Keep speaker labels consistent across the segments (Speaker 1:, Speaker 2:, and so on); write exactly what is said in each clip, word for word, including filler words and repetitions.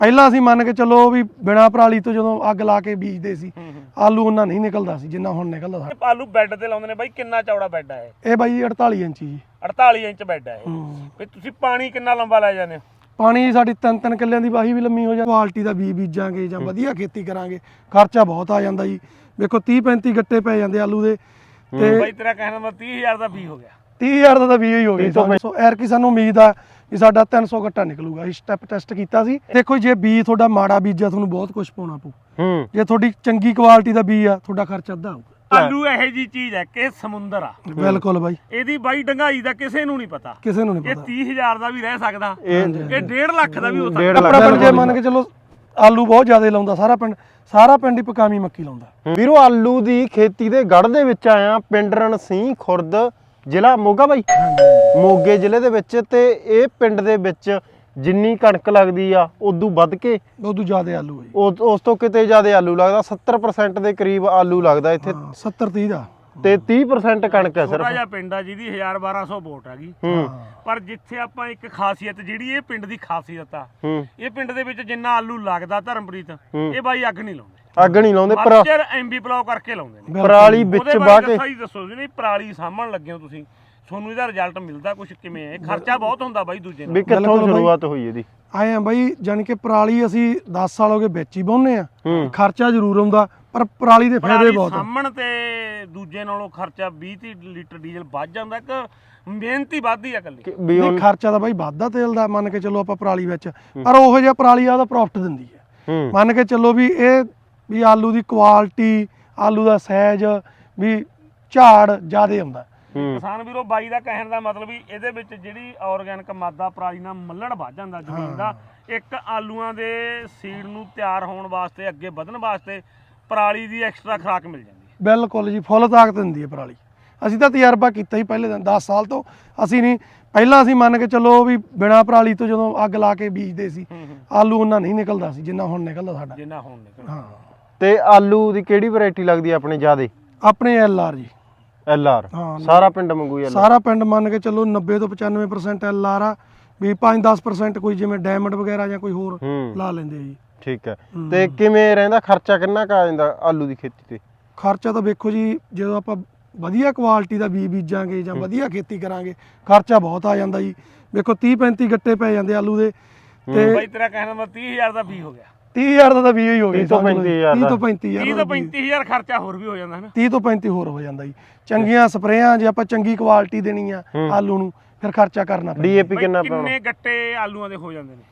Speaker 1: ਪਹਿਲਾਂ ਅਸੀਂ ਮੰਨ ਕੇ ਚੱਲੋ ਵੀ ਬਿਨਾ ਪਰਾਲੀ ਤੋਂ ਜਦੋਂ ਅੱਗ ਲਾ ਕੇ ਬੀਜਦੇ ਸੀ ਆਲੂ ਉਹਨਾਂ ਨਹੀਂ ਨਿਕਲਦਾ ਸੀ ਜਿੰਨਾ ਹੁਣ ਨਿਕਲਦਾ ਸਾਡਾ।
Speaker 2: ਆਲੂ ਬੈੱਡ ਤੇ ਲਾਉਂਦੇ ਨੇ ਬਾਈ, ਕਿੰਨਾ ਚੌੜਾ ਬੈੱਡ ਹੈ
Speaker 1: ਇਹ ਬਾਈ ਅੜਤਾਲੀ ਇੰਚੀ ਜੀ।
Speaker 2: ਅੜਤਾਲੀ ਇੰਚ ਬੈੱਡ ਹੈ ਇਹ। ਵੀ ਤੁਸੀਂ ਪਾਣੀ ਕਿੰਨਾ ਲੰਬਾ ਲੈ ਜਾਂਦੇ ਹੋ?
Speaker 1: ਪਾਣੀ ਸਾਡੀ ਤਿੰਨ ਤਿੰਨ ਕਿੱਲਿਆਂ ਦੀ ਵਾਹੀ ਵੀ ਲੰਮੀ ਹੋ ਜਾਂਦੀ। ਕੁਆਲਿਟੀ ਦਾ ਬੀਜ ਬੀਜਾਂਗੇ ਜਾਂ ਵਧੀਆ ਖੇਤੀ ਕਰਾਂਗੇ ਖਰਚਾ ਬਹੁਤ ਆ ਜਾਂਦਾ ਜੀ। ਵੇਖੋ ਤੀਹ ਪੈਂਤੀ ਗੱਟੇ ਪੈ ਜਾਂਦੇ ਆਲੂ ਦੇ ਤੇ
Speaker 2: ਬਾਈ ਤੇਰਾ ਕਹਿਣ ਦਾ ਮਤਲਬ ਤੀਹ ਹਜ਼ਾਰ ਦਾ ਬੀਜ ਹੋ ਗਿਆ।
Speaker 1: ਤੀਹ ਹਜ਼ਾਰ ਦਾ ਤਾਂ ਬੀਜ ਹੀ ਹੋ ਗਿਆ। ਸੋ ਐਰਕੀ ਸਾਨੂੰ ਉਮੀਦ ਆ ਵੀ ਸਾਡਾ ਤਿੰਨ ਸੌ ਗੱਟਾ ਨਿਕਲੂਗਾ। ਅਸੀਂ ਸਟੈਪ ਟੈਸਟ ਕੀਤਾ ਸੀ। ਦੇਖੋ ਜੇ ਬੀਜ ਤੁਹਾਡਾ ਮਾੜਾ ਬੀਜਾ ਤੁਹਾਨੂੰ ਬਹੁਤ ਕੁਝ ਪਾਉਣਾ ਪਊ। ਜੇ ਤੁਹਾਡੀ ਚੰਗੀ ਕੁਆਲਿਟੀ ਦਾ ਬੀਜ ਆ ਤੁਹਾਡਾ ਖਰਚਾ ਅੱਧਾ ਆਊਗਾ।
Speaker 2: ਆਲੂ ਇਹੋ ਜੀ ਚੀਜ਼ ਹੈ ਕਿ ਸਮੁੰਦਰ ਆ।
Speaker 1: ਬਿਲਕੁਲ ਬਾਈ,
Speaker 2: ਇਹਦੀ ਬਾਈ ਡੰਗਾਈ ਦਾ ਕਿਸੇ ਨੂੰ ਨਹੀਂ ਪਤਾ।
Speaker 1: ਕਿਸੇ ਨੂੰ ਨਹੀਂ
Speaker 2: ਇਹ
Speaker 1: ਪਤਾ।
Speaker 2: ਤੀਹ ਹਜ਼ਾਰ ਦਾ ਵੀ ਰਹਿ ਸਕਦਾ, ਇਹ ਡੇਢ ਲੱਖ ਦਾ ਵੀ ਹੋ ਸਕਦਾ।
Speaker 1: ਆਪਣਾ ਪਿੰਡ ਜੇ ਮੰਨ ਕੇ ਚਲੋ ਆਲੂ ਬਹੁਤ ਜ਼ਿਆਦਾ ਲਾਉਂਦਾ ਸਾਰਾ ਪਿੰਡ, ਸਾਰਾ ਪਿੰਡ ਹੀ ਪਕਾਮੀ ਮੱਕੀ ਲਾਉਂਦਾ।
Speaker 3: ਵੀਰੋ ਆਲੂ ਦੀ ਖੇਤੀ ਦੇ ਗੜ੍ਹ ਦੇ ਵਿੱਚ ਆਇਆ, ਪਿੰਡ ਰਣਸੀਂਹ ਖੁਰਦ, ਜ਼ਿਲ੍ਹਾ ਮੋਗਾ ਬਾਈ, ਮੋਗੇ ਜ਼ਿਲ੍ਹੇ ਦੇ ਵਿੱਚ। ਤੇ ਇਹ ਪਿੰਡ ਦੇ ਵਿੱਚ ਜਿੰਨੀ ਕਣਕ ਲੱਗਦੀ ਆ ਉਦੋਂ ਵੱਧ ਕੇ
Speaker 1: ਉਦੋਂ ਜ਼ਿਆਦਾ ਆਲੂ ਹੈ ਜੀ।
Speaker 3: ਉਸ ਤੋਂ ਕਿਤੇ ਜ਼ਿਆਦਾ ਆਲੂ ਲੱਗਦਾ। ਸੱਤਰ ਪਰਸੈਂਟ ਦੇ ਕਰੀਬ ਆਲੂ ਲੱਗਦਾ ਇੱਥੇ
Speaker 1: ਸੱਤਰ ਤੀਹ ਦਾ,
Speaker 3: ਤੇ ਤੀਹ ਪਰਸੈਂਟ ਕਣਕ ਹੈ
Speaker 2: ਛੋਟਾ
Speaker 3: ਸਿਰਫ।
Speaker 2: ਜਿਹਾ ਪਿੰਡ ਆ ਜਿਹਦੀ ਹਜ਼ਾਰ ਬਾਰਾਂ ਸੌ ਵੋਟ ਹੈਗੀ, ਪਰ ਜਿੱਥੇ ਆਪਾਂ ਇੱਕ ਖਾਸੀਅਤ ਜਿਹੜੀ ਇਹ ਪਿੰਡ ਦੀ ਖਾਸੀਅਤ ਆ, ਇਹ ਪਿੰਡ ਦੇ ਵਿੱਚ ਜਿੰਨਾ ਆਲੂ ਲੱਗਦਾ ਧਰਮਪ੍ਰੀਤ, ਇਹ ਬਾਈ ਅੱਗ ਨਹੀਂ ਲਾਉਂਦੇ।
Speaker 3: ਅੱਗ ਨਹੀਂ ਲਾਉਂਦੇ, ਪਰ
Speaker 2: ਮਰਚਰ ਐਮਬੀ ਪਲਾਉ ਕਰਕੇ ਲਾਉਂਦੇ ਨੇ।
Speaker 3: ਪਰਾਲੀ ਵਿੱਚ ਵਾਹ ਕੇ
Speaker 2: ਸਹੀ ਦੱਸੋ ਜੀ, ਨਹੀਂ ਪਰਾਲੀ ਸਾਂਭਣ ਲੱਗੇ ਹੋ ਤੁਸੀਂ, ਤੁਹਾਨੂੰ ਇਹਦਾ ਰਿਜ਼ਲਟ ਮਿਲਦਾ ਕੁਝ ਕਿਵੇਂ ਹੈ? ਖਰਚਾ ਬਹੁਤ ਹੁੰਦਾ ਬਾਈ ਦੂਜੇ ਨਾਲ।
Speaker 3: ਵੀ ਕਿੱਥੋਂ ਸ਼ੁਰੂਆਤ ਹੋਈ ਇਹਦੀ?
Speaker 1: ਆਏ ਆ ਬਾਈ, ਜਾਨੀ ਕਿ ਪਰਾਲੀ ਅਸੀਂ ਦਸ ਸਾਲ ਹੋ ਗਏ ਵਿੱਚ ਹੀ ਵਾਹੁੰਦੇ ਆ। ਖਰਚਾ ਜ਼ਰੂਰ ਆਉਂਦਾ ਪਰ ਪਰਾਲੀ ਦੇ ਫਾਇਦੇ ਬਹੁਤ ਆ।
Speaker 2: ਸਾਂਭਣ ਤੇ ਦੂਜੇ ਨਾਲੋਂ ਖਰਚਾ ਵੀਹ ਤੀਹ ਲੀਟਰ ਡੀਜ਼ਲ ਵੱਧ ਜਾਂਦਾ ਕਿ ਮਿਹਨਤ ਹੀ ਵੱਧਦੀ ਆ ਇਕੱਲੀ?
Speaker 1: ਨਹੀਂ ਖਰਚਾ ਤਾਂ ਬਾਈ ਵੱਧਦਾ ਤੇਲ ਦਾ ਮੰਨ ਕੇ ਚੱਲੋ ਆਪਾਂ ਪਰਾਲੀ ਵਿੱਚ, ਪਰ ਉਹੋ ਜਿਹਾ ਪਰਾਲੀ ਆ ਉਹਦਾ ਪ੍ਰੋਫਿਟ ਦਿੰਦੀ ਹੈ। ਮੰਨ ਕੇ ਚੱਲੋ ਵੀ ਇਹ ਵੀ ਆਲੂ ਦੀ ਕੁਆਲਿਟੀ, ਆਲੂ ਦਾ ਸਾਈਜ਼ ਵੀ ਝਾੜ ਜ਼ਿਆਦੇ ਆਉਂਦਾ।
Speaker 2: ਕਿਸਾਨ ਵੀਰੋ ਬਾਈ ਦਾ ਕਹਿਣ ਦਾ ਮਤਲਬ ਵੀ ਇਹਦੇ ਵਿੱਚ ਜਿਹੜੀ ਆਰਗੈਨਿਕ ਮਾਦਾ ਪਰਾਲੀ ਨਾਲ ਮੱਲਣ ਵੱਧ ਜਾਂਦਾ ਜ਼ਮੀਨ ਦਾ। ਇੱਕ ਆਲੂਆਂ ਦੇ ਸੀਡ ਨੂੰ ਤਿਆਰ ਹੋਣ ਵਾਸਤੇ, ਅੱਗੇ ਵਧਣ ਵਾਸਤੇ ਪਰਾਲੀ ਦੀ ਐਕਸਟਰਾ ਖੁਰਾਕ ਮਿਲ ਜਾਂਦੀ ਹੈ।
Speaker 1: ਬਿਲਕੁਲ ਜੀ, ਫੁੱਲ ਤਾਕਤ ਦਿੰਦੀ ਹੈ ਪਰਾਲੀ। ਅਸੀਂ ਤਾਂ ਤਜਰਬਾ ਕੀਤਾ ਹੀ ਪਹਿਲੇ ਦਿਨ, ਦਸ ਸਾਲ ਤੋਂ ਅਸੀਂ ਨਹੀਂ, ਪਹਿਲਾਂ ਅਸੀਂ ਮੰਨ ਕੇ ਚੱਲੋ ਵੀ ਬਿਨਾ ਪਰਾਲੀ ਤੋਂ ਜਦੋਂ ਅੱਗ ਲਾ ਕੇ ਬੀਜਦੇ ਸੀ ਆਲੂ ਉਹਨਾਂ ਨਹੀਂ ਨਿਕਲਦਾ ਸੀ ਜਿੰਨਾ ਹੁਣ ਨਿਕਲਦਾ ਸਾਡਾ।
Speaker 2: ਜਿੰਨਾ ਹੁਣ ਨਿਕਲਦਾ।
Speaker 1: ਹਾਂ।
Speaker 3: ਤੇ ਆਲੂ ਦੀ ਕਿਹੜੀ ਵੈਰਾਈਟੀ ਲੱਗਦੀ ਆਪਣੇ ਜ਼ਿਆਦੇ?
Speaker 1: ਆਪਣੇ ਐਲ ਆਰ ਜੀ।
Speaker 3: ਐਲ ਆਰ ਸਾਰਾ ਪਿੰਡ ਮੰਗੂ ਐਲ ਆਰ?
Speaker 1: ਸਾਰਾ ਪਿੰਡ ਮੰਨ ਕੇ ਚੱਲੋ ਨੱਬੇ ਤੋਂ ਪਚਾਨਵੇਂ ਪਰਸੈਂਟ ਐਲ ਆਰ ਆ, ਵੀ ਪੰਜ ਦਸ ਪਰਸੈਂਟ ਕੋਈ ਜਿਵੇਂ ਡਾਇਮੰਡ ਵਗੈਰਾ ਜਾਂ ਕੋਈ ਹੋਰ ਲਾ ਲੈਂਦੇ ਆ ਜੀ।
Speaker 3: ਠੀਕ ਹੈ। ਤੇ ਕਿਵੇਂ ਰਹਿੰਦਾ ਖਰਚਾ, ਕਿੰਨਾ ਕੁ ਆ ਜਾਂਦਾ ਆਲੂ ਦੀ ਖੇਤੀ ਤੇ?
Speaker 1: ਖਰਚਾ ਤਾਂ ਵੇਖੋ ਜੀ, ਜਦੋਂ ਆਪਾਂ ਵਧੀਆ ਕੁਆਲਿਟੀ ਦਾ ਬੀਜ ਬੀਜਾਂਗੇ ਜਾਂ ਵਧੀਆ ਖੇਤੀ ਕਰਾਂਗੇ ਖਰਚਾ ਬਹੁਤ ਆ ਜਾਂਦਾ ਜੀ। ਵੇਖੋ ਤੀਹ ਪੈਂਤੀ ਗੱਟੇ ਪੈ ਜਾਂਦੇ ਆਲੂ ਦੇ ਤੇ
Speaker 2: ਬਾਈ ਤੇਰਾ ਕਹਿਣ ਦਾ ਮਤਲਬ ਤੀਹ ਹਜ਼ਾਰ ਦਾ ਬੀਜ ਹੋ ਗਿਆ।
Speaker 1: ਤੀਹ ਹਜ਼ਾਰ ਦਾ ਤਾਂ ਬੀਜ ਹੀ ਹੋ ਗਿਆ।
Speaker 3: ਤੀਹ ਤੋਂ ਪੈਂਤੀ ਹਜ਼ਾਰ
Speaker 1: ਤੀਹ ਤੋਂ ਪੈਂਤੀ ਹਜ਼ਾਰ
Speaker 2: ਤੀਹ ਤੋਂ ਪੈਂਤੀ ਹਜ਼ਾਰ ਖਰਚਾ ਹੋਰ ਵੀ ਹੋ ਜਾਂਦਾ ਹੈ ਨਾ।
Speaker 1: ਤੀਹ ਤੋਂ ਪੈਂਤੀ ਹੋਰ ਹੋ ਜਾਂਦਾ ਜੀ। ਚੰਗੀਆਂ ਸਪਰੇਆਂ ਜੇ ਆਪਾਂ ਚੰਗੀ ਕੁਆਲਿਟੀ ਦੇਣੀ ਆ ਆਲੂ ਨੂੰ, ਫਿਰ ਖਰਚਾ ਕਰਨਾ ਪੈਂਦਾ।
Speaker 3: ਡੀਏਪੀ ਕਿੰਨਾ ਪਾਉਣਾ?
Speaker 2: ਕਿੰਨੇ ਗੱਟੇ ਆਲੂਆਂ ਦੇ ਹੋ ਜਾਂਦੇ ਨੇ?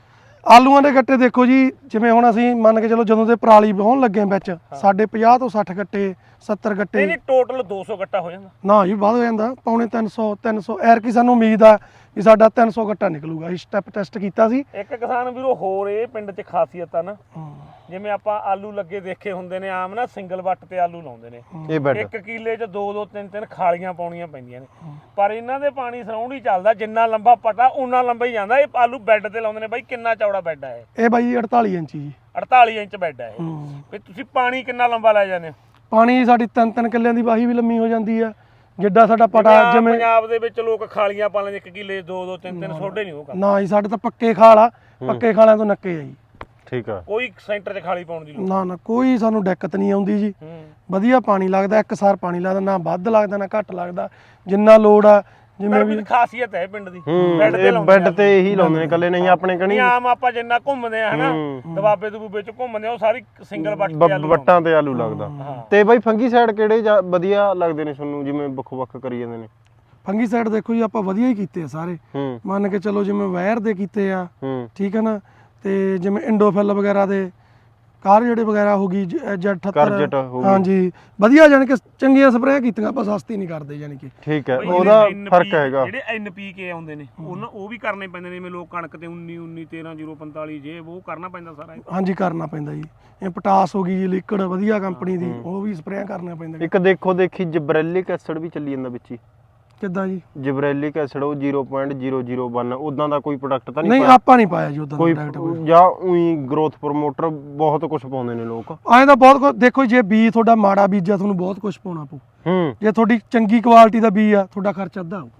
Speaker 1: ਆਲੂਆਂ ਦੇ ਗੱਟੇ ਦੇਖੋ ਜੀ, ਜਿਵੇਂ ਹੁਣ ਅਸੀਂ ਮੰਨ ਕੇ ਚਲੋ ਜਦੋਂ ਦੇ ਪਰਾਲੀ ਵਾਹੁਣ ਲੱਗੇ ਵਿੱਚ ਸਾਡੇ ਪੰਜਾਹ ਤੋਂ ਸੱਠ ਗੱਟੇ, ਸੱਤਰ ਗੱਟੇ।
Speaker 2: ਨਹੀਂ ਟੋਟਲ ਦੋ ਸੌ ਗੱਟਾ ਹੋ ਜਾਂਦਾ?
Speaker 1: ਨਾ ਜੀ ਵੱਧ ਹੋ ਜਾਂਦਾ, ਪੌਣੇ ਤਿੰਨ ਸੌ ਤਿੰਨ ਸੌ। ਐਰਕੀ ਸਾਨੂੰ ਉਮੀਦ ਆ ਵੀ ਸਾਡਾ ਤਿੰਨ ਸੌ ਗੱਟਾ ਨਿਕਲੂਗਾ। ਅਸੀਂ ਸਟੈਪ ਟੈਸਟ ਕੀਤਾ ਸੀ।
Speaker 2: ਇੱਕ ਕਿਸਾਨ ਵੀਰੋ ਹੋਰ ਇਹ ਪਿੰਡ 'ਚ ਖਾਸੀਅਤ ਆ ਨਾ, ਜਿਵੇਂ ਆਪਾਂ ਆਲੂ ਲੱਗੇ ਦੇਖੇ ਹੁੰਦੇ ਨੇ ਆਮ ਨਾ, ਸਿੰਗਲ ਵੱਟ ਤੇ ਆਲੂ ਲਾਉਂਦੇ ਨੇ।
Speaker 3: ਇਹ ਬੈਡ
Speaker 2: ਇੱਕ ਕਿੱਲੇ 'ਚ ਦੋ ਦੋ ਤਿੰਨ ਤਿੰਨ ਖਾਲੀਆਂ ਪਾਉਣੀਆਂ ਪੈਂਦੀਆਂ ਨੇ, ਪਰ ਇਹਨਾਂ ਦੇ ਪਾਣੀ ਸਰਾਉਂਡ ਹੀ ਚੱਲਦਾ। ਜਿੰਨਾ ਲੰਬਾ ਪਟਾ ਉਨਾ ਲੰਬਾ ਹੀ ਜਾਂਦਾ। ਇਹ ਆਲੂ ਬੈੱਡ ਤੇ ਲਾਉਂਦੇ ਨੇ ਬਾਈ। ਕਿੰਨਾ ਚੌੜਾ ਬੈੱਡ ਹੈ ਇਹ?
Speaker 1: ਇਹ ਬਾਈ ਅੜਤਾਲੀ ਇੰਚੀ ਜੀ।
Speaker 2: ਅੜਤਾਲੀ ਇੰਚ ਬੈੱਡ ਹੈ ਇਹ। ਵੀ ਤੁਸੀਂ ਪਾਣੀ ਕਿੰਨਾ ਲੰਬਾ ਲੈ ਜਾਂਦੇ ਹੋ?
Speaker 1: ਪਾਣੀ ਸਾਡੀ ਤਿੰਨ ਤਿੰਨ ਕਿੱਲਿਆਂ ਦੀ ਵਾਹੀ ਵੀ ਲੰਮੀ ਹੋ ਜਾਂਦੀ ਆ, ਜਿੱਡਾ ਸਾਡਾ ਪਟਾ। ਜਿਵੇਂ
Speaker 2: ਪੰਜਾਬ ਦੇ ਵਿੱਚ ਲੋਕ ਖਾਲੀਆਂ ਪਾ ਲੈਂਦੇ, ਇੱਕ ਕਿੱਲੇ ਦੋ ਦੋ ਤਿੰਨ ਤਿੰਨ ਸੋਡੇ ਨਹੀਂ ਉਹ ਕਰਦੇ।
Speaker 1: ਨਾ ਜੀ, ਸਾਡੇ ਤਾਂ ਪੱਕੇ ਖਾਲ ਆ, ਪੱਕੇ ਖਾਲਿਆਂ ਤੋਂ ਨੱਕੇ ਆ ਜੀ।
Speaker 3: ਠੀਕ ਆ।
Speaker 2: ਕੋਈ ਸੈਂਟਰ 'ਚ ਖਾਲੀ ਪਾਉਣ ਦੀ ਲੋੜ
Speaker 1: ਨਾ ਨਾ ਕੋਈ ਸਾਨੂੰ ਦਿੱਕਤ ਨਹੀਂ ਆਉਂਦੀ ਜੀ। ਵਧੀਆ ਪਾਣੀ ਲੱਗਦਾ, ਇੱਕ ਸਾਰ ਪਾਣੀ ਲੱਗਦਾ, ਨਾ ਵੱਧ ਲੱਗਦਾ ਨਾ ਘੱਟ ਲੱਗਦਾ, ਜਿੰਨਾ ਲੋੜ ਆ। ਜਿਵੇਂ ਵੀ
Speaker 2: ਖਾਸੀਅਤ ਹੈ ਪਿੰਡ ਦੀ,
Speaker 3: ਬੈੱਡ ਤੇ ਲਾਉਂਦੇ, ਬੈੱਡ ਤੇ ਇਹੀ ਲਾਉਂਦੇ ਨੇ ਇਕੱਲੇ। ਨਹੀਂ ਆਪਣੇ ਕਣੀ
Speaker 2: ਆਮ ਆਪਾਂ ਜਿੰਨਾ ਘੁੰਮਦੇ ਆ ਹਨਾ, ਦਬਾਬੇ ਦਬੂਬੇ 'ਚ ਘੁੰਮਦੇ ਆ, ਉਹ ਸਾਰੀ ਸਿੰਗਲ ਵੱਟ ਤੇ ਆਲੂ
Speaker 3: ਵੱਟਾਂ ਤੇ ਆਲੂ ਲੱਗਦਾ। ਤੇ ਬਾਈ ਫੰਗੀ ਸਾਈਡ ਕਿਹੜੇ ਵਧੀਆ ਲੱਗਦੇ ਨੇ ਤੁਹਾਨੂੰ, ਜਿਵੇਂ ਵੱਖੋ ਵੱਖ ਕਰੀ ਜਾਂਦੇ ਨੇ?
Speaker 1: ਫੰਗੀ ਸਾਈਡ ਦੇਖੋ ਜੀ, ਆਪਾਂ ਵਧੀਆ ਹੀ ਕੀਤੇ ਆ ਸਾਰੇ। ਮੰਨ ਕੇ ਚਲੋ ਜਿਵੇਂ ਵਾਇਰ ਦੇ ਕੀਤੇ ਆ, ਠੀਕ ਹੈ ਨਾ, ਤੇ ਜਿਵੇਂ ਇੰਡੋਫਿਲ ਵਗੈਰਾ ਦੇ, ਕਾਰਜੇਟ ਵਗੈਰਾ ਹੋ ਗਈ, ਜੈਡ ਅਠੱਤਰ, ਹਾਂਜੀ ਵਧੀਆ, ਜਾਨੀ ਕਿ ਚੰਗੀਆਂ ਸਪਰੇਆਂ ਕੀਤੀਆਂ। ਆਪਾਂ ਸਸਤੀ ਨਹੀਂ ਕਰਦੇ ਜਾਨੀ ਕਿ।
Speaker 3: ਠੀਕ ਹੈ, ਉਹਦਾ ਫਰਕ ਹੈਗਾ।
Speaker 2: ਜਿਹੜੇ ਐਨ ਪੀ ਕੇ ਆਉਂਦੇ ਨੇ ਉਹਨਾਂ ਉਹ ਵੀ ਕਰਨੇ ਪੈਂਦੇ ਨੇ, ਜਿਵੇਂ ਲੋਕ ਕਣਕ ਤੇ ਉੱਨੀ ਉੱਨੀ ਤੇਰਾਂ ਜ਼ੀਰੋ ਪੰਤਾਲੀ ਜੇ ਉਹ ਕਰਨਾ ਪੈਂਦਾ ਸਾਰਾ।
Speaker 1: ਹਾਂਜੀ ਕਰਨਾ ਪੈਂਦਾ ਜੀ। ਇਹ ਪਟਾਸ ਹੋ ਗਈ ਜੀ ਲਿਕਵਿਡ ਵਧੀਆ ਕੰਪਨੀ ਦੀ, ਉਹ ਵੀ ਸਪਰੇਆਂ ਕਰਨੀਆਂ ਪੈਂਦੀਆਂ।
Speaker 3: ਇੱਕ ਦੇਖੋ ਦੇਖੀ ਜਿਬਰੈਲਿਕ ਐਸਿਡ ਵੀ ਚੱਲੀ ਜਾਂਦਾ ਵਿੱਚ ਹੀ।
Speaker 1: ਕਿੱਦਾਂ ਜੀ?
Speaker 3: ਜਿਬਰੈਲਿਕ ਐਸਿਡ ਉਹ zero point zero zero one, ਉਦਾਂ ਦਾ ਕੋਈ ਪ੍ਰੋਡਕਟ ਤਾਂ ਨਹੀਂ?
Speaker 1: ਨਹੀਂ ਆਪਾਂ ਨਹੀਂ ਪਾਇਆ ਜੀ ਉਦਾਂ
Speaker 3: ਕੋਈ, ਜਾਂ ਉਹੀ ਗਰੋਥ ਪ੍ਰਮੋਟਰ ਬਹੁਤ ਕੁਝ ਪਾਉਂਦੇ ਨੇ ਲੋਕ।
Speaker 1: ਐਂ ਤਾਂ ਬਹੁਤ ਕੁਝ ਦੇਖੋ, ਜੇ ਬੀਜ ਤੁਹਾਡਾ ਮਾੜਾ ਬੀਜਾ ਤੁਹਾਨੂੰ ਬਹੁਤ ਕੁਝ ਪਾਉਣਾ ਪਊ। ਜੇ ਤੁਹਾਡੀ ਚੰਗੀ ਕੁਆਲਿਟੀ ਦਾ ਬੀਜ ਆ ਤੁਹਾਡਾ ਖਰਚਾ ਅੱਧਾ ਆਊਗਾ।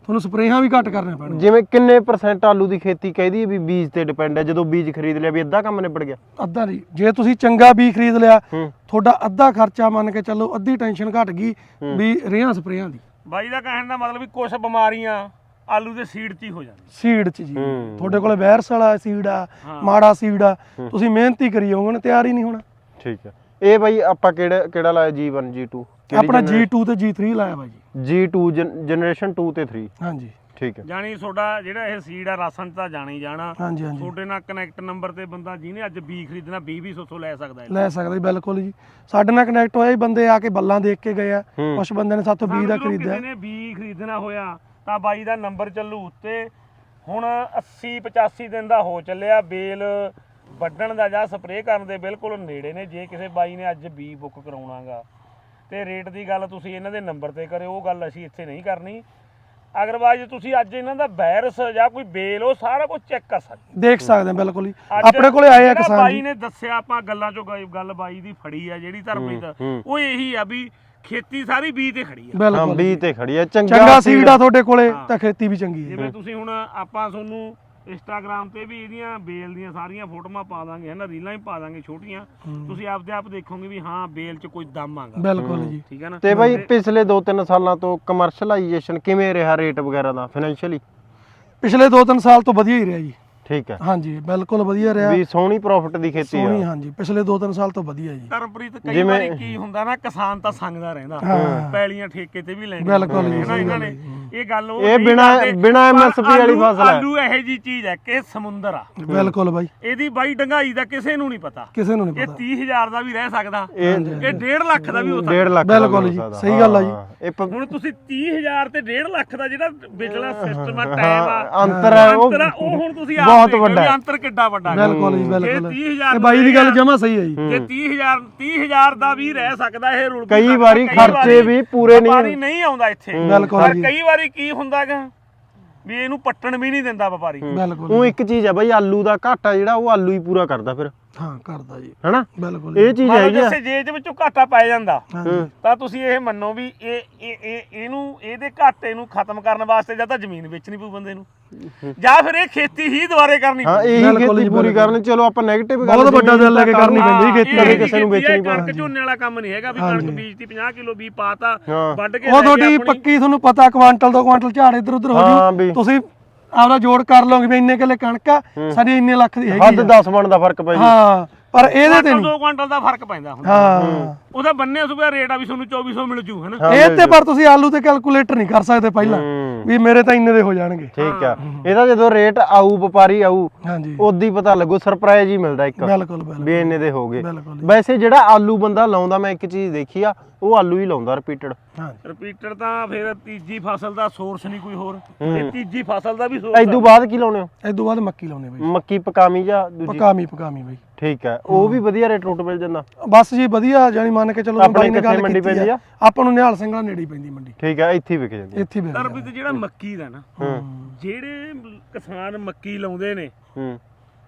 Speaker 1: ਤੁਹਾਨੂੰ ਸਪਰੇਹਾਂ ਵੀ ਘੱਟ ਕਰਨੇ ਪੈਣਗੇ।
Speaker 3: ਜਿਵੇਂ ਕਿੰਨੇ ਪਰਸੈਂਟ ਆਲੂ ਦੀ ਖੇਤੀ ਕਹਿਦੀ ਹੈ ਵੀ ਬੀਜ ਤੇ ਡਿਪੈਂਡ ਹੈ, ਜਦੋਂ ਬੀਜ ਖਰੀਦ ਲਿਆ ਵੀ ਅੱਧਾ ਕੰਮ ਨਿਬੜ ਗਿਆ?
Speaker 1: ਅੱਧਾ ਨਹੀਂ, ਜੇ ਤੁਸੀਂ ਚੰਗਾ ਬੀਜ ਖਰੀਦ ਲਿਆ
Speaker 3: ਹੂੰ
Speaker 1: ਤੁਹਾਡਾ ਅੱਧਾ ਖਰਚਾ ਮੰਨ ਕੇ ਚੱਲੋ, ਅੱਧੀ ਟੈਨਸ਼ਨ ਘਟ ਗਈ ਵੀ ਰੇਹਾਂ ਸਪਰੇਹਾਂ ਦੀ।
Speaker 2: ਬਾਈ ਦਾ ਕਹਿਣ ਦਾ ਮਤਲਬ ਵੀ ਕੁਝ ਬਿਮਾਰੀਆਂ ਆਲੂ ਦੇ ਸੀਡ 'ਚ ਹੀ ਹੋ ਜਾਂਦੀਆਂ।
Speaker 1: ਸੀਡ ਚ ਜੀ
Speaker 3: ਹੂੰ।
Speaker 1: ਤੁਹਾਡੇ ਕੋਲੇ ਵਾਇਰਸ ਵਾਲਾ ਸੀਡ ਆ,
Speaker 2: ਹਾਂ।
Speaker 1: ਮਾੜਾ ਸੀਡ ਆ, ਤੁਸੀਂ ਮਿਹਨਤੀ ਕਰੀ ਜਾਓਗੇ ਤਿਆਰ ਹੀ ਨਹੀਂ ਹੋਣਾ।
Speaker 3: ਠੀਕ ਹੈ। ਇਹ ਬਾਈ ਆਪਾਂ ਕਿਹੜਾ ਕਿਹੜਾ ਲਾਇਆ ਜੀ ਵਨ ਜੀ ਟੂ?
Speaker 1: ਆਪਣਾ ਜੀ ਟੂ ਤੇ ਜੀ ਥ੍ਰੀ ਲਾਇਆ ਬਾਈ ਜੀ।
Speaker 3: ਜੀ ਟੂ ਜਨਰੇਸ਼ਨ ਟੂ ਤੇ ਥ੍ਰੀ।
Speaker 1: ਹਾਂਜੀ
Speaker 3: ਠੀਕ ਹੈ।
Speaker 2: ਜਾਣੀ ਤੁਹਾਡਾ ਜਿਹੜਾ ਇਹ ਸੀਡ ਆ ਰਾਸ਼ਨ 'ਚ ਤਾਂ ਜਾਣਾ ਹੀ ਜਾਣਾ।
Speaker 1: ਹਾਂਜੀ ਹਾਂਜੀ
Speaker 2: ਤੁਹਾਡੇ ਨਾਲ ਕਨੈਕਟ ਨੰਬਰ ਤੇ ਬੰਦਾ ਜਿਹਨੇ ਅੱਜ ਬੀ ਖਰੀਦਣਾ ਵੀਹ ਵੀਹ ਸੌ ਲੈ ਸਕਦਾ ਹੈ।
Speaker 1: ਲੈ ਸਕਦੇ ਬਿਲਕੁਲ ਜੀ। ਸਾਡੇ ਨਾਲ ਕਨੈਕਟ ਹੋਇਆ ਹੀ ਬੰਦੇ ਆ ਕੇ ਬੱਲਾਂ ਦੇਖ ਕੇ ਗਏ ਆ,
Speaker 3: ਹੂੰ।
Speaker 1: ਕੁਛ ਬੰਦੇ ਨੇ ਸਾਥੋਂ ਬੀਜ ਦਾ
Speaker 2: ਸਮਝ ਲਓ
Speaker 1: ਖਰੀਦਿਆ।
Speaker 2: ਕਿਸੇ ਨੇ ਬੀ ਖਰੀਦਣਾ ਹੋਇਆ ਤਾਂ ਬਾਈ ਦਾ ਨੰਬਰ ਚੱਲੂ ਉੱਤੇ। ਹੁਣ ਅੱਸੀ ਪਚਾਸੀ ਦਿਨ ਦਾ ਹੋ ਚੱਲਿਆ, ਬੇਲ ਵੱਢਣ ਦਾ ਜਾਂ ਸਪਰੇਅ ਕਰਨ ਦੇ ਬਿਲਕੁਲ ਨੇੜੇ ਨੇ। ਜੇ ਕਿਸੇ ਬਾਈ ਨੇ ਅੱਜ ਬੀ ਬੁੱਕ ਕਰਾਉਣਾਗਾ ਤੇ ਰੇਟ ਦੀ ਗੱਲ ਤੁਸੀਂ ਇਹਨਾਂ ਦੇ ਨੰਬਰ ਤੇ ਕਰਿਓ, ਉਹ ਗੱਲ ਅਸੀਂ ਇੱਥੇ ਨਹੀਂ ਕਰਨੀ। ਅਗਰਵਾਈਜ਼ ਤੁਸੀਂ ਅੱਜ ਇਹਨਾਂ ਦਾ ਵਾਇਰਸ ਜਾਂ ਕੋਈ ਬੇਲ ਉਹ ਸਾਰਾ ਕੁਝ ਚੈੱਕ ਕਰ ਸਕਦੇ,
Speaker 1: ਦੇਖ ਸਕਦੇ ਆ ਬਿਲਕੁਲ ਹੀ।
Speaker 2: ਅੱਜ
Speaker 1: ਆਪਣੇ ਕੋਲੇ ਆਏ ਆ
Speaker 2: ਜਿਹੜਾ
Speaker 1: ਕਿਸਾਨ
Speaker 2: ਬਾਈ
Speaker 1: ਜੀ।
Speaker 2: ਨੇ ਦੱਸਿਆ, ਆਪਾਂ ਗੱਲਾਂ ਚੋਂ ਗ- ਗੱਲ ਬਾਈ ਦੀ ਫੜੀ ਆ ਜਿਹੜੀ ਧਰਮਪ੍ਰੀਤ,
Speaker 3: ਹੂੰ।
Speaker 2: ਉਹ ਇਹੀ ਆ ਵੀ ਖੇਤੀ ਸਾਰੀ ਬੀ ਤੇ ਖੜੀ ਆ।
Speaker 3: ਹਾਂ
Speaker 1: ਬਿਲਕੁਲ
Speaker 3: ਬੀ ਤੇ ਖੜੀ ਹੈ।
Speaker 1: ਚੰਗਾ
Speaker 3: ਚੰਗਾ
Speaker 1: ਸੀਡ ਆ ਤੁਹਾਡੇ ਕੋਲੇ
Speaker 2: ਹਾਂ।
Speaker 1: ਤਾਂ ਖੇਤੀ ਵੀ ਚੰਗੀ ਹੈ।
Speaker 2: ਜਿਵੇਂ ਤੁਸੀਂ ਹੁਣ ਆਪਾਂ ਤੁਹਾਨੂੰ ਇੰਸਟਾਗ੍ਰਾਮ ਤੇ ਵੀ ਇਹਦੀਆਂ ਬੇਲ ਦੀਆਂ ਸਾਰੀਆਂ ਫੋਟੋਆਂ ਪਾ ਦਾਂਗੇ, ਹਨਾ, ਰੀਲਾਂ ਵੀ ਪਾ ਦਾਂਗੇ ਛੋਟੀਆਂ। ਤੁਸੀਂ ਆਪਦੇ ਆਪ ਦੇਖੋਗੇ ਵੀ ਹਾਂ ਬੇਲ 'ਚ ਕੋਈ ਦਮ ਆਗਾ।
Speaker 1: ਬਿਲਕੁਲ ਜੀ।
Speaker 2: ਠੀਕ ਹੈ ਨਾ।
Speaker 3: ਤੇ ਬਾਈ ਪਿਛਲੇ ਦੋ ਤਿੰਨ ਸਾਲਾਂ ਤੋਂ ਕਮਰਸ਼ਲਾਈਜੇਸ਼ਨ ਕਿਵੇਂ ਰਿਹਾ ਰੇਟ ਵਗੈਰਾ ਦਾ ਫਾਈਨੈਂਸ਼ੀਅਲੀ?
Speaker 1: ਪਿਛਲੇ ਦੋ ਤਿੰਨ ਸਾਲ ਤੋਂ ਵਧੀਆ ਹੀ ਰਿਹਾ ਜੀ।
Speaker 3: ਠੀਕ ਹੈ।
Speaker 1: ਹਾਂਜੀ ਬਿਲਕੁਲ ਵਧੀਆ ਰਿਹਾ।
Speaker 3: ਵੀ ਸੋਹਣੀ ਪ੍ਰੋਫਿਟ ਦੀ ਖੇਤੀ
Speaker 1: ਸੋਹਣੀ
Speaker 3: ਆ।
Speaker 1: ਹਾਂਜੀ ਪਿਛਲੇ ਦੋ ਤਿੰਨ ਸਾਲ ਤੋਂ ਵਧੀਆ ਜੀ।
Speaker 2: ਧਰਮਪ੍ਰੀਤ ਕਈ
Speaker 3: ਜਿਵੇਂ-
Speaker 2: ਵਾਰੀ ਕੀ ਹੁੰਦਾ ਨਾ, ਕਿਸਾਨ ਤਾਂ ਸੰਗਦਾ ਰਹਿੰਦਾ,
Speaker 1: ਹਾਂ।
Speaker 2: ਪੈਲੀਆਂ ਠੇਕੇ ਤੇ ਵੀ ਲੈਂਦੇ
Speaker 1: ਬਿਲਕੁਲ ਜੀ,
Speaker 2: ਹੈ ਨਾ
Speaker 1: ਸਹੀ
Speaker 2: ਇਹਨਾਂ
Speaker 1: ਗੱਲ
Speaker 2: ਨੇ।
Speaker 1: ਹੈ।
Speaker 2: ਇਹ ਗੱਲ ਉਹ
Speaker 3: ਇਹ
Speaker 2: ਨਹੀਂ
Speaker 3: ਬਿਨਾਂ-
Speaker 2: ਕਰਦੇ,
Speaker 3: ਬਿਨਾਂ
Speaker 2: ਪਰ
Speaker 3: M S P ਵਾਲੀ
Speaker 2: ਆਲੂ-
Speaker 3: ਫਸਲ ਹੈ।
Speaker 2: ਆਲੂ ਇਹੋ ਜੀ ਚੀਜ਼ ਹੈ ਕਿ ਸਮੁੰਦਰ ਆ।
Speaker 1: ਬਿਲਕੁਲ ਬਾਈ,
Speaker 2: ਇਹਦੀ ਬਾਈ ਡੰਗਾਈ ਦਾ ਕਿਸੇ ਨੂੰ ਨਹੀਂ ਪਤਾ।
Speaker 1: ਕਿਸੇ ਨੂੰ ਨਹੀਂ
Speaker 2: ਇਹ
Speaker 1: ਪਤਾ।
Speaker 2: ਤੀਹ ਹਜ਼ਾਰ ਦਾ ਵੀ ਰਹਿ ਸਕਦਾ,
Speaker 3: ਇਹ
Speaker 2: ਇਹ ਡੇਢ ਲੱਖ ਦਾ ਵੀ ਹੋ ਸਕਦਾ।
Speaker 3: ਡੇਢ ਲੱਖ ਦਾ
Speaker 1: ਬਿਲਕੁਲ
Speaker 3: ਵੀ ਹੋ
Speaker 1: ਜੀ,
Speaker 3: ਸਕਦਾ।
Speaker 1: ਸਹੀ ਗੱਲ ਆ ਜੀ।
Speaker 3: ਹਾਂ, ਇਹ ਪ-
Speaker 2: ਹੁਣ ਤੁਸੀਂ ਤੀਹ ਹਜ਼ਾਰ ਤੇ ਡੇਢ ਲੱਖ ਦਾ ਜਿਹੜਾ ਵਿਚਲਾ ਸਿਸਟਮ ਆ, ਟਾਈਮ ਆ,
Speaker 3: ਹਾਂ, ਅੰਤਰ ਹੈ ਉਹ
Speaker 2: ਅੰਤਰ ਆ, ਉਹ ਹੁਣ ਤੁਸੀਂ ਆਪ
Speaker 3: ਬਹੁਤ
Speaker 2: ਦੇਖ ਲਓ
Speaker 3: ਵੱਡਾ
Speaker 2: ਵੀ
Speaker 3: ਹੈ।
Speaker 2: ਅੰਤਰ ਕਿੱਡਾ ਵੱਡਾ ਹੈ।
Speaker 1: ਬਿਲਕੁਲ ਜੀ
Speaker 2: ਜੇ
Speaker 1: ਬਿਲਕੁਲ।
Speaker 2: ਤੀਹ ਹਜ਼ਾਰ
Speaker 1: ਇਹ ਬਾਈ ਦੀ ਗੱਲ ਜਮਾ ਸਹੀ ਹੈ ਜੀ।
Speaker 2: ਜੇ ਤੀਹ ਹਜ਼ਾਰ ਤੀਹ ਹਜ਼ਾਰ ਦਾ ਵੀ ਰਹਿ ਸਕਦਾ ਇਹ ਰੁਲ ਵੀ
Speaker 3: ਕਈ
Speaker 2: ਸਕਦਾ,
Speaker 3: ਵਾਰੀ
Speaker 2: ਕਈ
Speaker 3: ਖਰਚੇ
Speaker 2: ਵਾਰੀ
Speaker 3: ਵੀ ਪੂਰੇ ਨਹੀਂ
Speaker 2: ਵਪਾਰੀ ਨਹੀਂ ਆਉਂਦਾ ਇੱਥੇ।
Speaker 1: ਬਿਲਕੁਲ
Speaker 2: ਪਰ
Speaker 1: ਜੀ।
Speaker 2: ਕਈ ਵਾਰੀ ਕੀ ਹੁੰਦਾਗਾ ਵੀ ਇਹਨੂੰ ਪੱਟਣ ਵੀ ਨਹੀਂ ਦਿੰਦਾ ਵਪਾਰੀ।
Speaker 1: ਬਿਲਕੁਲ
Speaker 3: ਉਹ ਇੱਕ ਚੀਜ਼ ਹੈ ਬਾਈ, ਆਲੂ ਦਾ ਘਾਟਾ ਜਿਹੜਾ ਉਹ ਆਲੂ ਹੀ ਪੂਰਾ ਕਰਦਾ ਫਿਰ,
Speaker 1: ਹਾਂ ਕਰਦਾ ਜੀ
Speaker 3: ਹੈਨਾ?
Speaker 1: ਬਿਲਕੁਲ
Speaker 3: ਇਹ ਚੀਜ਼
Speaker 2: ਮੰਨ ਲਓ
Speaker 3: ਹੈਗੀ ਆ।
Speaker 2: ਜੇ ਜੇ ਦੇ ਵਿੱਚੋਂ ਘਾਟਾ ਪੈ ਜਾਂਦਾ
Speaker 1: ਹਾਂਜੀ
Speaker 2: ਤਾਂ ਤੁਸੀਂ ਇਹ ਮੰਨੋ ਵੀ ਇਹ ਇਹ ਇਹ ਇਹਨੂੰ ਇਹਦੇ ਘਾਟੇ ਨੂੰ ਖਤਮ ਕਰਨ ਵਾਸਤੇ ਜਾਂ ਤਾਂ ਜ਼ਮੀਨ ਵੇਚਣੀ ਪਊ ਬੰਦੇ ਨੂੰ, ਜਾਂ ਫਿਰ ਇਹ ਖੇਤੀ ਹੀ ਦੁਬਾਰੇ ਕਰਨੀ
Speaker 3: ਹਾਂ
Speaker 2: ਪਊ।
Speaker 3: ਇਹੀ
Speaker 1: ਬਿਲਕੁਲ
Speaker 3: ਖੇਤੀ
Speaker 1: ਜੀ,
Speaker 3: ਪੂਰੀ
Speaker 1: ਬਿਲਕੁਲ।
Speaker 3: ਕਰਨੀ। ਚਲੋ ਆਪਾਂ 네ਗੇਟਿਵ
Speaker 1: ਬਹੁਤ ਵੱਡਾ ਦਿਲ ਲੈ ਕੇ ਕਰਨੀ ਪੈਂਦੀ ਖੇਤੀ।
Speaker 3: ਕਦੇ ਕਿਸੇ ਨੂੰ ਵੇਚਣੀ
Speaker 2: ਕਣਕ
Speaker 3: ਪੈਂਦੀ।
Speaker 2: ਝੋਨੇ ਵਾਲਾ ਕੰਮ ਨਹੀਂ ਹੈਗਾ ਵੀ ਕਣਕ ਬੀਜਤੀ ਪੰਜਾਹ ਕਿਲੋ ਵੀ ਪਾਤਾ
Speaker 3: ਹਾਂ।
Speaker 2: ਵੱਢ ਕੇ
Speaker 1: ਉਹ
Speaker 2: ਲੈ ਕੇ
Speaker 1: ਤੁਹਾਡੀ
Speaker 2: ਆਪਣੀ-
Speaker 1: ਪੱਕੀ ਤੁਹਾਨੂੰ ਪਤਾ ਕੁਆਂਟਲ ਤੋਂ ਕੁਆਂਟਲ ਝਾੜ ਇੱਧਰ ਉੱਧਰ ਹੋ
Speaker 3: ਹਾਂ
Speaker 1: ਜੂ,
Speaker 3: ਵੀ।
Speaker 1: ਤੁਸੀਂ ਆਪਦਾ ਜੋੜ ਕਰ ਲਓਗੇ ਵੀ ਇੰਨੇ ਕਿੱਲੇ ਕਣਕ ਆ ਸਾਡੀ ਇੰਨੇ ਲੱਖ ਦੀ
Speaker 3: ਹੱਦ
Speaker 1: ਹੈਗੀ ਆ।
Speaker 3: ਦਸ ਮਣ ਦਾ ਫਰਕ ਪੈ ਜੀ।
Speaker 1: ਹਾਂ ਪਰ ਇਹਦੇ ਤੇ
Speaker 2: ਕੁਆਂਟਲ
Speaker 1: ਨਹੀਂ।
Speaker 2: ਦੋ ਕੁਆਂਟਲ ਦਾ ਫਰਕ ਪੈਂਦਾ ਹੁੰਦਾ।
Speaker 1: ਹਾਂ
Speaker 2: ਉਹਦਾ ਬੰਨੇ ਸੁਬਾ ਰੇਟ ਆ ਵੀ ਤੁਹਾਨੂੰ ਚੌਵੀ ਸੌ ਮਿਲ ਜੂ ਹਨਾ।
Speaker 3: ਹਾਂ,
Speaker 1: ਇਹ
Speaker 3: ਮਿਲ
Speaker 1: ਤੇ
Speaker 3: ਜੂ।
Speaker 1: ਪਰ ਤੁਸੀਂ ਆਲੂ ਤੇ ਕੈਲਕੂਲੇਟਰ ਨਹੀਂ ਕਰ ਸਕਦੇ ਪਹਿਲਾਂ
Speaker 3: ਹੂੰ।
Speaker 1: ਵੀ ਮੇਰੇ ਤਾਂ ਇੰਨੇ ਦੇ ਹੋ ਜਾਣਗੇ।
Speaker 3: ਠੀਕ ਆ। ਇਹਦਾ ਜਦੋਂ ਰੇਟ ਆਊ ਵਪਾਰੀ ਆਊ
Speaker 1: ਹਾਂਜੀ
Speaker 3: ਉਦੋਂ ਹੀ ਪਤਾ ਲੱਗੂ, ਸਰਪ੍ਰਾਈਜ਼ ਹੀ ਮਿਲਦਾ ਇੱਕ
Speaker 1: ਬਿਲਕੁਲ ਬਿਲਕੁਲ
Speaker 3: ਵੀ ਇੰਨੇ ਦੇ ਹੋ ਗਏ।
Speaker 1: ਬਿਲਕੁਲ ਜੀ।
Speaker 3: ਵੈਸੇ ਜਿਹੜਾ ਆਲੂ ਬੰਦਾ ਲਾਉਂਦਾ, ਮੈਂ ਇੱਕ ਚੀਜ਼ ਦੇਖੀ ਆ, ਉਹ ਆਲੂ ਹੀ ਲਾਉਂਦਾ ਰਿਪੀਟਡ।
Speaker 1: ਹਾਂ
Speaker 2: ਰਿਪੀਟਰ ਤਾਂ ਫਿਰ ਤੀਜੀ ਫਸਲ ਦਾ ਸੋਰਸ ਨਹੀਂ ਕੋਈ ਹੋਰ, ਇਹ ਤੀਜੀ ਫਸਲ ਦਾ ਵੀ ਸੋਰਸ
Speaker 3: ਇਦੋਂ ਬਾਅਦ ਕੀ ਲਾਉਣੇ ਹੋ?
Speaker 1: ਇਸ ਤੋਂ ਬਾਅਦ ਮੱਕੀ ਲਾਉਣੇ ਬਾਈ,
Speaker 3: ਮੱਕੀ ਪਕਾਮੀ ਜਾਂ ਦੂਜੀ?
Speaker 1: ਪਕਾਮੀ ਪਕਾਮੀ ਬਾਈ।
Speaker 3: ਠੀਕ ਹੈ, ਉਹ ਵੀ ਵਧੀਆ ਰੇਟ ਰੂਟ ਮਿਲ ਜਾਂਦਾ।
Speaker 1: ਬਸ ਜੀ ਵਧੀਆ, ਜਾਨੀ ਮੰਨ ਕੇ ਚਲੋ
Speaker 3: ਆਪਣੇ
Speaker 1: ਬਾਈ ਨੇ ਗੱਲ
Speaker 3: ਕਿੱਥੇ ਮੰਡੀ
Speaker 1: ਕੀਤੀ
Speaker 3: ਪੈਂਦੀ
Speaker 1: ਆ,
Speaker 3: ਆ?
Speaker 1: ਆਪਾਂ ਨੂੰ ਨਿਹਾਲ ਸਿੰਘਾਂ ਨੇੜੇ ਹੀ ਪੈਂਦੀ ਮੰਡੀ,
Speaker 3: ਠੀਕ ਹੈ, ਇੱਥੇ ਹੀ ਵਿਕ ਜਾਂਦੀ।
Speaker 1: ਇੱਥੇ ਵੀ
Speaker 2: ਤਰਬੀ ਤੇ ਜਿਹੜਾ ਮੱਕੀ ਦਾ ਨਾ,
Speaker 3: ਹੂੰ
Speaker 2: ਜਿਹੜੇ ਕਿਸਾਨ ਮੱਕੀ ਲਾਉਂਦੇ ਨੇ,
Speaker 3: ਹੂੰ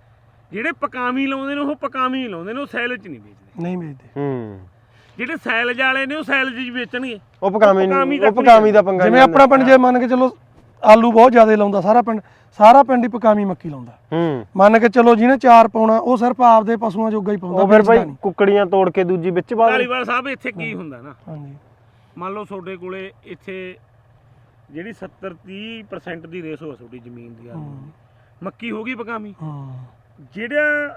Speaker 2: ਜਿਹੜੇ ਪਕਾਮੀ ਲਾਉਂਦੇ ਨੇ ਉਹ ਪਕਾਮੀ ਲਾਉਂਦੇ ਨੇ, ਉਹ ਸੈਲ 'ਚ ਨਹੀਂ ਵੇਚਦੇ।
Speaker 1: ਨਹੀਂ ਵੇਚਦੇ।
Speaker 3: ਹੂੰ
Speaker 2: ਜਿਹੜੇ ਸੈਲਜ ਵਾਲੇ ਨੇ ਉਹ ਸੈਲਜ 'ਚ ਵੇਚਣਗੇ।
Speaker 3: ਉਹ ਪਕਾਮੀ
Speaker 2: ਪਕਾਮੀ
Speaker 3: ਨਹੀਂ,
Speaker 2: ਦਾ
Speaker 3: ਉਹ ਪਕਾਮੀ ਦਾ ਪੰਗਾ
Speaker 1: ਜਿਵੇਂ
Speaker 3: ਨਹੀਂ
Speaker 1: ਆਪਣਾ ਪਿੰਡ ਜੇ ਮੰਨ ਕੇ ਚਲੋ ਆਲੂ ਬਹੁਤ ਜ਼ਿਆਦਾ ਲਾਉਂਦਾ ਸਾਰਾ ਪਿੰਡ, ਸਾਰਾ ਪਿੰਡ ਹੀ ਪਕਾਮੀ ਮੱਕੀ ਲਾਉਂਦਾ।
Speaker 3: ਹੂੰ
Speaker 1: ਮੰਨ ਕੇ ਚਲੋ ਜਿਹਨੇ ਚਾਰ ਪਾਉਣਾ ਉਹ ਸਿਰਫ ਆਪਦੇ ਪਸ਼ੂਆਂ ਜੋਗਾ ਹੀ ਪਾਉਂਦਾ,
Speaker 3: ਉਹ ਫਿਰ
Speaker 1: ਵੇਚਦਾ
Speaker 3: ਭਾਈ
Speaker 1: ਨਹੀਂ।
Speaker 3: ਕੁੱਕੜੀਆਂ ਤੋੜ ਕੇ ਦੂਜੀ ਵਿੱਚ ਪਾ ਦੇ।
Speaker 2: ਧਾਲੀਵਾਲ ਸਾਹਿਬ ਇੱਥੇ ਕੀ ਹੁੰਦਾ ਨਾ,
Speaker 1: ਹਾਂਜੀ
Speaker 2: ਮੰਨ ਲਓ ਤੁਹਾਡੇ ਕੋਲੇ ਇੱਥੇ ਜਿਹੜੀ ਸੱਤਰ ਤੀਹ ਪਰਸੈਂਟ ਦੀ ਰੇਸ਼ੋ ਆ ਤੁਹਾਡੀ ਜ਼ਮੀਨ ਦੀ ਆਲੂ ਦੀ, ਮੱਕੀ ਹੋ ਗਈ ਪਕਾਮੀ,
Speaker 1: ਹਾਂ
Speaker 2: ਜਿਹੜਾ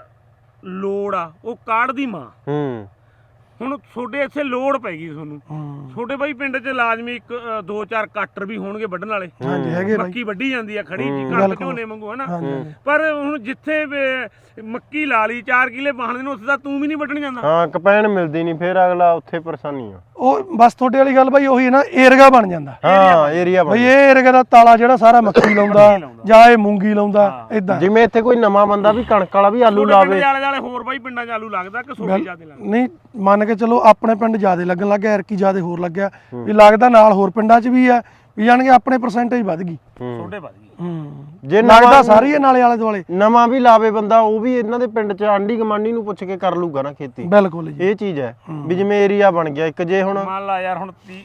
Speaker 2: ਲੋੜ ਆ ਉਹ ਕਾੜ ਦੀ ਮਾਂ।
Speaker 3: ਹੂੰ
Speaker 2: ਹੁਣ ਤੁਹਾਡੇ ਇੱਥੇ ਲੋੜ ਪੈ ਗਈ ਤੁਹਾਨੂੰ,
Speaker 1: ਹਾਂ
Speaker 2: ਤੁਹਾਡੇ ਬਾਈ ਪਿੰਡ 'ਚ ਲਾਜ਼ਮੀ ਇੱਕ ਅ, ਦੋ ਚਾਰ ਕੱਟਰ ਵੀ ਹੋਣਗੇ ਵੱਢਣ ਵਾਲੇ।
Speaker 1: ਹਾਂਜੀ ਹੈਗੇ ਬਾਈ।
Speaker 2: ਮੱਕੀ ਵੱਢੀ ਜਾਂਦੀ ਆ ਖੜੀ ਜੀ,
Speaker 3: ਹੂੰ,
Speaker 2: ਕਣਕ
Speaker 1: ਬਿਲਕੁਲ।
Speaker 2: ਝੋਨੇ ਵਾਂਗੂ ਹਨਾ।
Speaker 1: ਹਾਂਜੀ ਹਾਂਜੀ।
Speaker 2: ਪਰ ਹੁਣ ਜਿੱਥੇ ਵੀ ਮੱਕੀ ਲਾ ਲਈ ਚਾਰ ਕਿਲੇ ਬਾਹਣ ਨੂੰ, ਉੱਥੇ ਤਾਂ ਤੂੰ ਵੀ ਨਹੀਂ ਵੱਢਣ ਜਾਂਦਾ।
Speaker 3: ਹਾਂ ਕਪੈਣ ਮਿਲਦੀ ਨਹੀਂ, ਫਿਰ ਅਗਲਾ ਉੱਥੇ ਪਰੇਸ਼ਾਨੀ ਆ।
Speaker 1: ਉਹ ਬਸ ਤੁਹਾਡੇ ਵਾਲੀ ਗੱਲ ਬਾਈ ਉਹੀ ਹੈ ਨਾ, ਏਰਗਾ ਬਣ ਜਾਂਦਾ
Speaker 3: ਹਾਂ ਏਰੀਆ
Speaker 1: ਬਈ,
Speaker 3: ਬਣ
Speaker 1: ਇਹ ਏਰਗਾ ਦਾ ਤਾਲਾ ਜਿਹੜਾ ਸਾਰਾ ਮੱਕੀ ਲਾਉਂਦਾ
Speaker 2: ਲਾਉਂਦਾ।
Speaker 1: ਜਾਂ ਇਹ ਮੂੰਗੀ ਲਾਉਂਦਾ
Speaker 2: ਹਾਂ।
Speaker 1: ਇਦਾਂ।
Speaker 3: ਜਿਵੇਂ ਇੱਥੇ ਕੋਈ ਨਵਾਂ ਬੰਦਾ ਵੀ ਕਣਕ ਵਾਲਾ ਵੀ ਆਲੂ
Speaker 2: ਤੁਹਾਡੇ ਪਿੰਡ
Speaker 3: ਲਾਵੇ।
Speaker 2: ਦੇ ਆਲੇ ਦੁਆਲੇ ਹੋਰ ਬਾਈ ਪਿੰਡਾਂ 'ਚ ਆਲੂ ਲੱਗਦਾ ਕਿ ਸੋਡੀ ਜ਼ਿਆਦਾ ਲੱਗਦਾ?
Speaker 1: ਨਹੀਂ ਮੰਨ ਕੇ ਚਲੋ ਆਪਣੇ ਪਿੰਡ ਜ਼ਿਆਦਾ ਲੱਗਣ ਲੱਗ ਗਿਆ, ਐਰਕੀ ਜ਼ਿਆਦਾ ਹੋਰ ਲੱਗਿਆ ਵੀ ਲੱਗਦਾ, ਨਾਲ ਹੋਰ ਪਿੰਡਾਂ 'ਚ ਵੀ ਆ ਵੀ ਜਾਣਗੇ ਆਪਣੇ ਪਰਸੈਂਟੇਜ ਵੱਧ ਗਈ।
Speaker 3: ਹੂੰ।
Speaker 2: ਤੁਹਾਡੇ ਵੱਧ ਗਈ।
Speaker 1: ਹੂੰ
Speaker 3: ਜੇ
Speaker 1: ਲੱਗਦਾ
Speaker 3: ਨਵਾਂ
Speaker 1: ਸਾਰੀ ਇਹ ਨਾਲੇ ਆਲੇ ਦੁਆਲੇ।
Speaker 3: ਨਵਾਂ ਵੀ ਲਾਵੇ ਬੰਦਾ, ਉਹ ਵੀ ਇਹਨਾਂ ਦੇ ਪਿੰਡ 'ਚ ਆਂਢੀ ਗਮਾਂਢੀ ਨੂੰ ਪੁੱਛ ਕੇ ਕਰ ਲੂਗਾ ਨਾ ਖੇਤੀ।
Speaker 1: ਬਿਲਕੁਲ ਜੀ।
Speaker 3: ਇਹ ਚੀਜ਼ ਹੈ ਵੀ ਜਿਵੇਂ ਏਰੀਆ ਬਣ ਗਿਆ ਇੱਕ, ਜੇ ਹੁਣ
Speaker 2: ਮੰਨ ਲਾ ਯਾਰ ਹੁਣ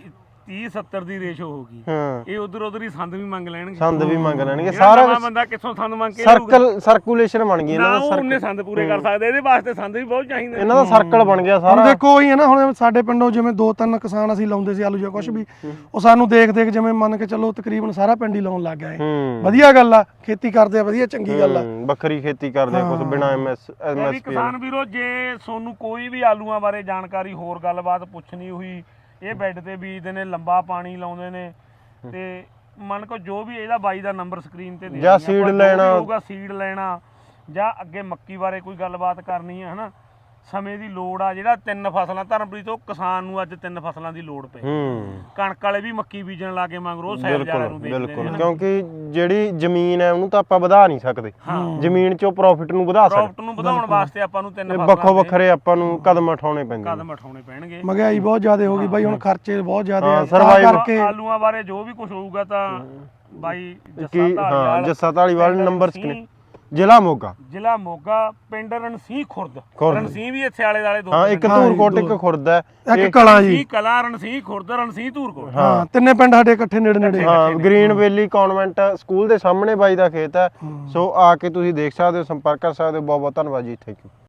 Speaker 2: ਤੀਹ ਸੱਤਰ ਦੀ ਰੇਸ਼ੋ ਹੋਊਗੀ
Speaker 3: ਹਾਂ
Speaker 2: ਇਹ ਉਧਰ ਉਧਰ ਹੀ ਸੰਦ ਵੀ ਮੰਗ ਲੈਣਗੇ
Speaker 3: ਸੰਦ ਵੀ ਮੰਗ ਲੈਣਗੇ
Speaker 2: ਜਿਹੜਾ
Speaker 3: ਸਾਰਾ
Speaker 2: ਨਵਾਂ ਬੰਦਾ ਕਿੱਥੋਂ ਸੰਦ ਮੰਗ ਕੇ
Speaker 3: ਸਰਕਲ ਸਰਕੂਲੇਸ਼ਨ ਬਣ ਗਈ ਇਹਨਾਂ
Speaker 2: ਨਾ
Speaker 3: ਦਾ
Speaker 2: ਉਹ
Speaker 3: ਸਰਕਲ
Speaker 2: ਉਹਨੇ ਸੰਦ ਪੂਰੇ ਕਰ ਸਕਦੇ ਇਹਦੇ ਵਾਸਤੇ ਸੰਦ ਵੀ ਬਹੁਤ ਚਾਹੀਦੇ
Speaker 3: ਇਹਨਾਂ ਦਾ ਸਰਕਲ ਬਣ ਗਿਆ
Speaker 1: ਹੁਣ
Speaker 3: ਸਾਰਾ
Speaker 1: ਦੇਖੋ ਉਹੀ ਹੈ ਨਾ ਹੁਣ ਸਾਡੇ ਪਿੰਡੋਂ ਜਿਵੇਂ ਦੋ ਤਿੰਨ ਕਿਸਾਨ ਅਸੀਂ ਲਾਉਂਦੇ ਸੀ ਆਲੂ ਜਾਂ ਕੁਝ ਵੀ ਉਹ ਸਾਨੂੰ ਦੇਖ ਦੇਖ ਜਿਵੇਂ ਮੰਨ ਕੇ ਚੱਲੋ ਤਕਰੀਬਨ ਸਾਰਾ ਪਿੰਡ ਹੀ ਲਾਉਣ ਲੱਗ ਗਿਆ ਇਹ
Speaker 3: ਹੂੰ
Speaker 1: ਵਧੀਆ ਗੱਲ ਆ ਖੇਤੀ ਕਰਦੇ ਆ ਵਧੀਆ ਚੰਗੀ ਗੱਲ ਆ
Speaker 3: ਹੂੰ, ਵੱਖਰੀ ਖੇਤੀ ਕਰਦੇ ਆ ਕੁਝ ਬਿਨਾ ਐਮਐਸ
Speaker 2: ਇਹ ਵੀ
Speaker 3: ਐਮਐਸਪੀ
Speaker 2: ਕਿਸਾਨ ਵੀਰੋ ਜੇ ਤੁਹਾਨੂੰ ਕੋਈ ਵੀ ਆਲੂਆਂ ਬਾਰੇ ਜਾਣਕਾਰੀ ਹੋਰ ਗੱਲਬਾਤ ਪੁੱਛਣੀ ਹੋਈ ਇਹ ਬੈੱਡ ਤੇ ਬੀਜਦੇ ਨੇ ਲੰਬਾ ਪਾਣੀ ਲਾਉਂਦੇ ਨੇ ਤੇ ਮੰਨ ਕੋ ਜੋ ਵੀ ਇਹਦਾ ਬਾਈ ਦਾ ਨੰਬਰ ਸਕਰੀਨ ਤੇ ਦੇ
Speaker 3: ਜਾਂ seed ਲੈਣਾ।
Speaker 2: ਹੋਊਗਾ ਸੀਡ ਲੈਣਾ ਜਾਂ ਅੱਗੇ ਮੱਕੀ ਬਾਰੇ ਕੋਈ ਗੱਲਬਾਤ ਕਰਨੀ ਹੈ ਹਨਾ ਸਮੇਂ ਦੀ ਲੋੜ ਆ ਜਿਹੜਾ ਤਿੰਨ ਫਸਲਾਂ ਧਰਮਪ੍ਰੀਤ ਉਹ ਕਿਸਾਨ ਨੂੰ ਅੱਜ ਤਿੰਨ ਫਸਲਾਂ ਦੀ ਲੋੜ ਪਈ
Speaker 3: ਹੂੰ
Speaker 2: ਕਣਕ ਵਾਲੇ ਵੀ ਮੱਕੀ ਬੀਜਣ ਲੱਗੇ ਮਗਰੋਂ ਸੈਲ ਜਾਲਿਆਂ ਨੂੰ
Speaker 3: ਬਿਲਕੁਲ
Speaker 2: ਦੇਖਦੇ
Speaker 3: ਬਿਲਕੁਲ
Speaker 2: ਨੇ
Speaker 3: ਕਿਉਂਕਿ ਜਿਹੜੀ ਜ਼ਮੀਨ ਹੈ ਉਹਨੂੰ ਤਾਂ ਆਪਾਂ ਵਧਾ ਨਹੀਂ ਸਕਦੇ ਜ਼ਮੀਨ ਚੋਂ ਪ੍ਰੋਫਿਟ ਨੂੰ ਵਧਾ ਸਕਦੇ
Speaker 2: ਪ੍ਰੋਫਿਟ ਨੂੰ ਵਧਾਉਣ ਵਾਸਤੇ ਆਪਾਂ ਨੂੰ ਤਿੰਨ
Speaker 3: ਇਹ
Speaker 2: ਫਸਲਾਂ
Speaker 3: ਵੱਖੋ
Speaker 2: ਦੇ
Speaker 3: ਵੱਖਰੇ ਆਪਾਂ ਨੂੰ ਕਦਮ ਉਠਾਉਣੇ ਪੈਂਦੇ ਨੇ
Speaker 2: ਕਦਮ ਉਠਾਉਣੇ ਪੈਣਗੇ
Speaker 1: ਮਹਿੰਗਾਈ ਬਹੁਤ ਜ਼ਿਆਦਾ ਹੋ ਗਈ ਬਾਈ ਹੁਣ ਖਰਚੇ ਬਹੁਤ ਜ਼ਿਆਦਾ
Speaker 3: ਹਾਂ,
Speaker 1: ਆ ਤਾਂ
Speaker 3: survive-
Speaker 1: ਕਰਕੇ
Speaker 2: ਆਲੂਆਂ ਬਾਰੇ ਜੋ ਵੀ ਕੁਝ ਹੋਊਗਾ ਤਾਂ ਬਾਈ ਜੱਸਾ
Speaker 3: ਕੀ ਹਾਂ
Speaker 2: ਧਾਲੀਵਾਲ,
Speaker 3: ਜੱਸਾ ਢਾਲੀਵਾਲ
Speaker 2: ਪਿੰਡ
Speaker 3: ਨੰਬਰ
Speaker 2: ਰਣਸੀਂਹ,
Speaker 3: ਸਕਰੀਨ ਜ਼ਿਲ੍ਹਾ ਮੋਗਾ
Speaker 2: ਜ਼ਿਲ੍ਹਾ ਮੋਗਾ ਪਿੰਡ ਰਣਸੀਂਹ ਖੁਰਦ
Speaker 3: ਖੁਰਦ।
Speaker 2: ਰਣਸੀਂਹ ਵੀ ਇੱਥੇ ਆਲੇ ਦਾਲੇ ਦੋ
Speaker 3: ਹਾਂ
Speaker 2: ਤਿੰਨ
Speaker 3: ਇੱਕ
Speaker 2: ਨੇ।
Speaker 3: ਧੂਰਕੋਟ ਇੱਕ ਖੁਰਦ ਹੈ
Speaker 1: ਇੱਕ ਕਲਾ ਜੀ
Speaker 2: ਰਣਸੀਂਹ ਕਲਾ ਰਣਸੀਂਹ ਖੁਰਦ ਰਣਸੀਂਹ ਧੂਰਕੋਟ
Speaker 1: ਹਾਂ ਤਿੰਨੇ ਪਿੰਡ ਸਾਡੇ ਇਕੱਠੇ ਨੇੜੇ ਨੇੜੇ ਆ।
Speaker 3: ਹਾਂ ਗ੍ਰੀਨ ਵੈਲੀ ਕਨਵੈਂਟ ਸਕੂਲ ਦੇ ਸਾਹਮਣੇ ਬਾਈ ਦਾ ਖੇਤ ਹੈ ਸੋ ਆ ਕੇ ਤੁਸੀਂ ਦੇਖ ਸਕਦੇ ਹੋ ਸੰਪਰਕ ਕਰ ਸਕਦੇ ਹੋ ਬਹੁਤ ਬਹੁਤ ਧੰਨਵਾਦ ਜੀ ਥੈਂਕ ਯੂ